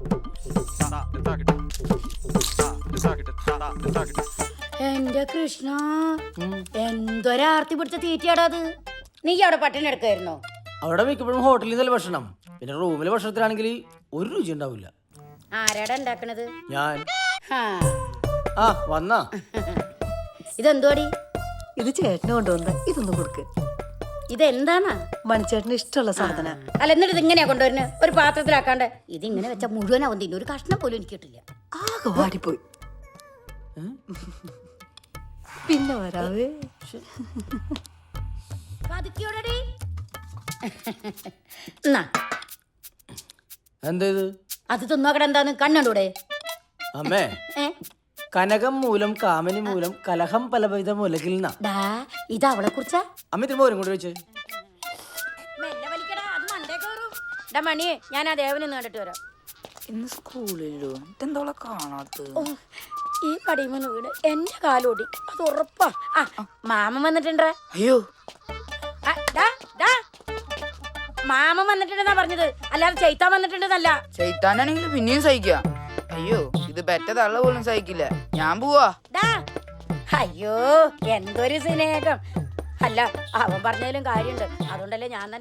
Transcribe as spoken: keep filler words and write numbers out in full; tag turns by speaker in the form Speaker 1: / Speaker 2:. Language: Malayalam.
Speaker 1: എന്റെ കൃഷ്ണ, എന്തൊരാർത്തി പിടിച്ച തീറ്റയാടാ അത്. നീ അവിടെ പട്ടിണി എടുക്കായിരുന്നോ?
Speaker 2: അവിടെ മിക്കപ്പോഴും ഹോട്ടലിൽ നിന്നല്ല ഭക്ഷണം. പിന്നെ റൂമിലെ ഭക്ഷണത്തിലാണെങ്കിൽ ഒരു രുചി ഉണ്ടാവില്ല.
Speaker 1: ആരാടാ ഉണ്ടാക്കണത്?
Speaker 2: ഞാൻ. ആ വന്നാ.
Speaker 1: ഇതെന്തോടി?
Speaker 3: ഇത് ചേട്ടന് കൊണ്ടുവന്ന. ഇതൊന്നും കൊടുക്ക്.
Speaker 1: ഇതെന്താന്നാ?
Speaker 3: മണിച്ചേട്ടന് ഇഷ്ടമുള്ള സാധന.
Speaker 1: അല്ല, എന്നിട്ട് ഇത് ഇങ്ങനെയാ കൊണ്ടുവരുന്നത്? ഒരു പാത്രത്തിലാക്കാണ്ട്. ഇതിങ്ങനെ വെച്ചാൽ മുഴുവനാവും തിന്നു. ഒരു കഷ്ണം പോലും എനിക്ക് കിട്ടില്ല.
Speaker 3: ആകെ വാടിപ്പോയി. പിന്നെ വരാവേ.
Speaker 2: എന്താ ഇത്?
Speaker 1: അത് തിന്നോക്കട. എന്താന്ന് കണ്ണൂടെ?
Speaker 2: അമ്മേ, കനകം മൂലം കാമനി മൂലം കലഹം പലവിധ മൂലകിൽ
Speaker 1: ഇത് അവളെ കുറിച്ചാ?
Speaker 2: അമ്മ തിരുമ്പോ വരും കൊണ്ട് വെച്ച്
Speaker 1: മണിയെ ഞാൻ ആ ദേവനെ കണ്ടിട്ട് വരാം.
Speaker 4: ഇന്ന് സ്കൂളിലോ ഇതെന്തോളെ കാണാത്ത?
Speaker 1: ഈ പടിമന്ന് വീട് എന്റെ കാലോടി, അത് ഉറപ്പാ. ആ മാമൻ വന്നിട്ടുണ്ടേ.
Speaker 4: അയ്യോ,
Speaker 1: മാമൻ വന്നിട്ടുണ്ടെന്നാ പറഞ്ഞത്, അല്ലാതെ ചൈത്താൻ വന്നിട്ടുണ്ടെന്നല്ല.
Speaker 4: ചൈത്താനാണെങ്കിൽ പിന്നെയും സഹിക്കാം. അയ്യോ, ഇത് പെറ്റ തള്ള പോലും സഹിക്കില്ല. ഞാൻ പോവാ.
Speaker 1: അയ്യോ, എന്തൊരു സ്നേഹം. അല്ല, അവൻ പറഞ്ഞതിലും കാര്യമുണ്ട്. അതുകൊണ്ടല്ലേ ഞാൻ